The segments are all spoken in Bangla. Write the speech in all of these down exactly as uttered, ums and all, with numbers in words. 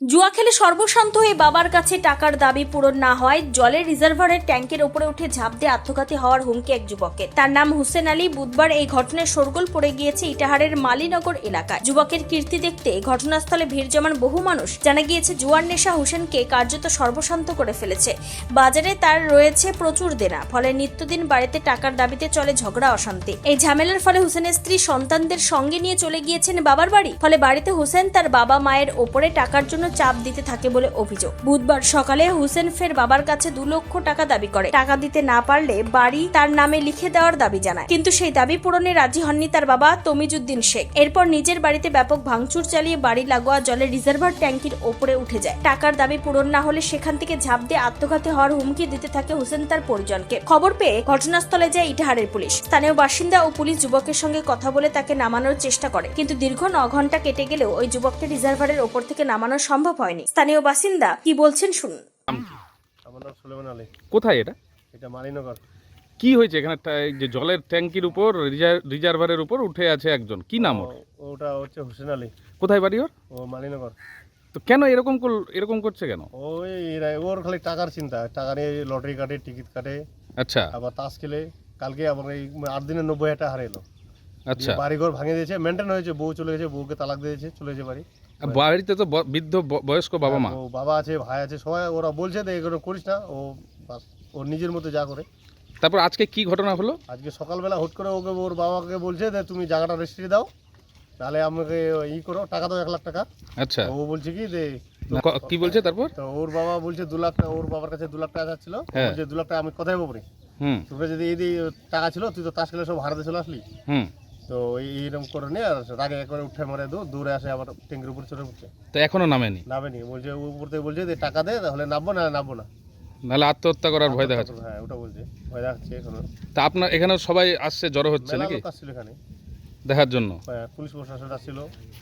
জুয়া খেলে সর্বশান্ত হয়ে বাবার কাছে টাকার দাবি পূরণ না হয় জলের রিজার্ভারের ট্যাঙ্কের ওপরে উঠে ঝাঁপ দিয়ে আত্মঘাতী হওয়ার হুমকি এক যুবকের। তার নাম হুসেন আলী। বুধবার এই ঘটনায় শোরগোল পড়ে গিয়েছে ইটাহারের মালিনগর এলাকায়। যুবকের কীর্তি দেখতে ঘটনাস্থলে ভিড় জমান বহু মানুষ। জানা গিয়েছে জুয়ার নেশা হুসেনকে কার্যত সর্বশান্ত করে ফেলেছে। বাজারে তার রয়েছে প্রচুর দেনা, ফলে নিত্যদিন বাড়িতে টাকার দাবিতে চলে ঝগড়া অশান্তি। এই ঝামেলার ফলে হুসেনের স্ত্রী সন্তানদের সঙ্গে নিয়ে চলে গিয়েছেন বাবার বাড়ি। ফলে বাড়িতে হুসেন তার বাবা মায়ের ওপরে টাকার জন্য চাপ দিতে থাকে বলে অভিযোগ। বুধবার সকালে হুসেন ফের বাবার কাছে দু লক্ষ টাকা দাবি করে। টাকা দিতে না পারলে বাড়ি তার নামে লিখে দেওয়ার দাবি জানায়, কিন্তু সেই দাবি পূরণে রাজি হননি তার বাবা তমিজুদ্দিন শেখ। এরপর নিজের বাড়িতে ব্যাপক ভাঙচুর চালিয়ে বাড়ি লাগোয়া জলের রিজার্ভার ট্যাঙ্কির ওপরে উঠে যায়। টাকার দাবি পূরণ না হলে সেখান থেকে ঝাঁপ দিয়ে আত্মঘাতী হওয়ার হুমকি দিতে থাকে হুসেন তার পরিজনকে। খবর পেয়ে ঘটনাস্থলে যায় ইটাহারের পুলিশ। স্থানীয় বাসিন্দা ও পুলিশ যুবকের সঙ্গে কথা বলে তাকে নামানোর চেষ্টা করে, কিন্তু দীর্ঘ ন ঘন্টা কেটে গেলেও ওই যুবককে রিজার্ভারের ওপর থেকে নামানো সম্ভব হয়নি। স্থানীয় বাসিন্দা কি বলছেন শুনুন। আমার নাম সুলেমান আলী। কোথায় এটা? এটা মালিনগর। কি হয়েছে এখানে? যে জলের ট্যাঙ্কির উপর রিজার্ভারের উপর উঠে আছে একজন, কি নাম ওর? ওটা হচ্ছে হুসেন আলী। কোথায় বাড়ি ওর? ও মালিনগর। তো কেন এরকম এরকম করছে কেন? ওই এরা- ওর খালি টাকার চিন্তা, টাকা নিয়ে লটারি কাটে, টিকিট কাটে, আচ্ছা আবার তাস খেলে। কালকে আবার এই আট দিনে নব্বই হাজার টাকা হারাইলো। আচ্ছা, বাড়িঘর ভাঙে দিয়েছে, মেনটেন হয়েছে, বউ চলে গেছে, বউকে তালাক দিয়েছে, চলে গেছে বাড়ি। বাড়িতে তো ব- বৃদ্ধ ব- বয়স্ক বাবা মা। ও বাবা আছে, ভাই আছে, সবাই। ওরা বলছে যে এগুলো করিস না, ও বাস ওর নিজের মতো যা করে। তারপর আজকে কি ঘটনা হলো? আজকে সকালবেলা হুট করে ওকে ওর বাবাকে বলছে যে তুমি জায়গাটা রেজিস্ট্রি দাও, তাহলে আমাকে ই করো, টাকা দাও এক লাখ টাকা। আচ্ছা, ও বলছে কি যে ক- কি বলছে তারপর? তো ওর বাবা বলছে দু লাখ টাকা, ওর বাবার কাছে দু লাখ টাকা যাচ্ছিল। হ্যাঁ। বলছে দু লাখ টাকা আমি কোথায় পাবো রে? হুম তোকে যদি এই দিয়ে টাকা ছিল, তুই তো তাস খেলে সব হারাতে চলে আসলি। হুম তো এই- এইরকম করে নিয়ে আর রাগে একবারে উঠে মারে দু দূরে আসে, আবার ট্যাঙ্কির উপরে চলে উঠছে, তো এখনো নামেনি? নামে নি। বলছে ও উপর থেকে বলছে যে টাকা দে, তাহলে নামবো, না নামবো না। নাহলে আত্মহত্যা করার ভয় দেখাচ্ছে। হ্যাঁ, ওটা বলছে, ভয় দেখাচ্ছে এখনো। তা আপনার এখানে সবাই আসছে, জড়ো হচ্ছে মেলা নাকি লোক আসছিল এখানে দেখার জন্য? হ্যাঁ, পুলিশ প্রশাসন আসছিল।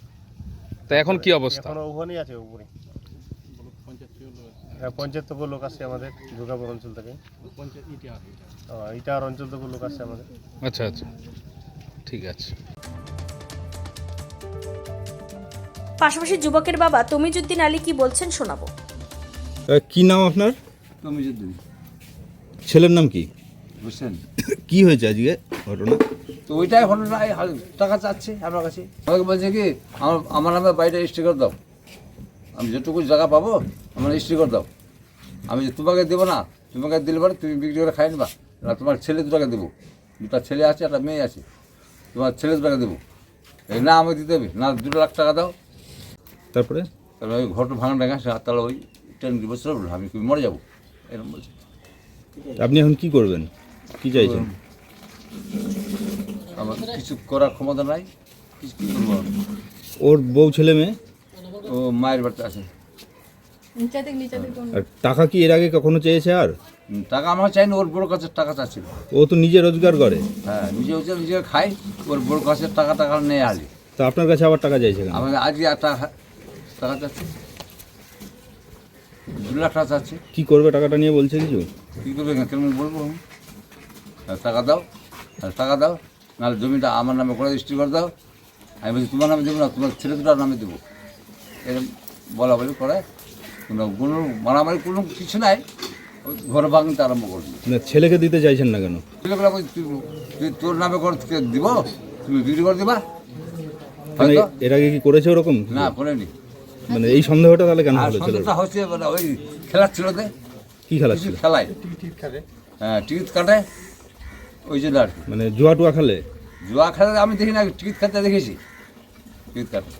তা এখন কি অবস্থা? এখনো ওখানেই আছে উপরে। হ্যাঁ, পঞ্চায়েত থেকে লোক আসছে আমাদের, দুর্গাপুর অঞ্চল থেকে। হ্যাঁ, ইটার অঞ্চল থেকে লোক আসছে আমাদের। আচ্ছা আচ্ছা, ঠিক আছে। পাশাপাশি যুবকের বাবা তমিজুদ্দিন আলী কি বলছেন শোনাবো। কি নাম আপনার? তমিজুদ্দিন ছেলের নাম কি? হোসেন। কি হয়েছে আজকে ঘটনা? তো ওইটাই ঘটনা, এই হাল- টাকা চাচ্ছে আমার কাছে। আমাকে বলছে কি আমার আমার নামে বাড়িটা রেজিস্ট্রি করে দাও, আমি যেটুকু জায়গা পাবো আমার রেজিস্ট্রি করে দাও। আমি যে তোমাকে দেবো না, তোমাকে দিলে পরে তুমি বিক্রি করে খাই নেবা, না তোমার ছেলে দুটাকে দেবো, দুটা ছেলে আছে, একটা মেয়ে আছে, তোমার ছেলে দুটাকে দেবো। এই না আমাকে দিতে হবে, না দুটো লাখ টাকা দাও। তারপরে তাহলে ওই ঘরটা ভাঙা টাঙা সে হাততালা ওই ট্রেন বসে আমি কি মরে যাবো, এরকম বলছে। আপনি এখন কি করবেন, কি চাইছেন? আমার কিছু করার ক্ষমতা নাই, কিছু কী করবো আমি? ওর বউ ছেলে মেয়ে ও মায়ের বাড়িতে আছে। আর টাকা কি এর আগে কখনো চেয়েছে? আর হুম, টাকা আমার চাইনি, ওর বড় কাছে টাকা চাচ্ছিল। ও তো নিজে রোজগার করে। হ্যাঁ, নিজে হচ্ছে নিজে খাই, ওর বড় কাছে টাকা টাকা নেই আলি। তো আপনার কাছে আবার টাকা চাইছে কেন? আমাকে আজকে আর টাকা টাকা চাচ্ছে, দু লাখ টাকা চাচ্ছে। কি করবে টাকাটা নিয়ে বলছে কিছু? কী করবে না, কেমন বলবো আমি? আর টাকা দাও, আর টাকা দাও, নাহলে জমিটা আমার নামে করে রেজিস্ট্রি করে দাও। আমি বলছি তোমার নামে দেবো না, তোমার ছেলে দুটার নামে দেবো। এরকম বলা বলি করে, কোনো কোনো মারামারি কোনো কিছু নাই, ওই ঘর ভাঙতে আরম্ভ করবি। না, ছেলেকে দিতে চাইছেন না কেন? ছেলেগুলো বলছে, তুই তুই তোর নামে করে তোকে দিব, তুমি বিক্রি করে দিবা। মানে হয়তো এর আগে কি করেছে ওরকম? না করেনি। মানে এই সন্দেহটা তাহলে কেন আর হলো ছেলের? সন্দেহটা হচ্ছে মানে ওই খেলার ছিল তে, কি খেলা কিছু ছিল? খেলায় হ্যাঁ টিকিট কাটে, ওই জন্য আর কি। মানে জুয়া টুয়া খেলে? জুয়া খেলা আমি দেখি না, টিকিট কাটতে দেখেছি, টিকিট কাটে।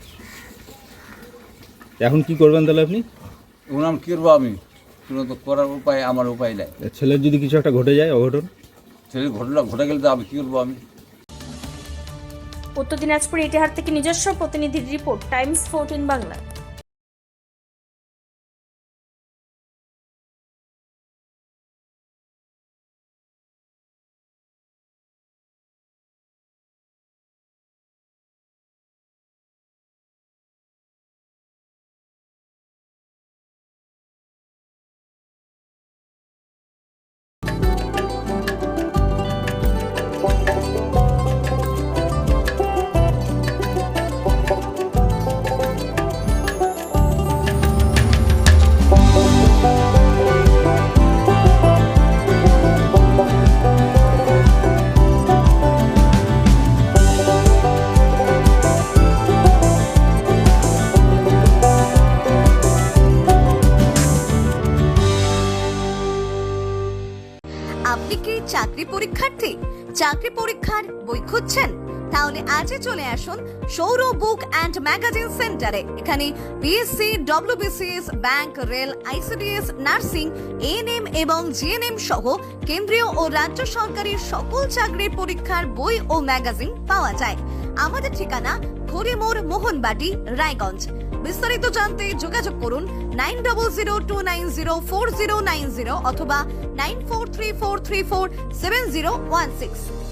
এখন কি করবেন তাহলে আপনি? এখন আমি কী করবো, আমি কোনো তো করার উপায় আমার উপায় নাই। ছেলের যদি কিছু একটা ঘটে যায়, অঘটন? ছেলে ঘটনা ঘটে গেলে তো আমি কী করবো আমি? উত্তর দিনাজপুর ইটাহার থেকে নিজস্ব প্রতিনিধির রিপোর্ট, টাইমস ফোরটিন বাংলা। চাকরি পরীক্ষার্থী, চাকরি পরীক্ষার বই খুঁজছেন? তাহলে আজই চলে আসুন সৌর বুক অ্যান্ড ম্যাগাজিন সেন্টারে। এখানে BSC, WBCS, bank, rail, ICDS, nursing, ANM এবং জিএনএম সহ কেন্দ্রীয় ও রাজ্য সরকারি সকল চাকরির পরীক্ষার বই ও ম্যাগাজিন পাওয়া যায়। আমাদের ঠিকানা ঘড়িমোড়, মোহনবাটি, রায়গঞ্জ। বিস্তারিত জানতে যোগাযোগ করুন nine double zero two nine zero four zero nine zero অথবা nine four three four three four seven zero one six.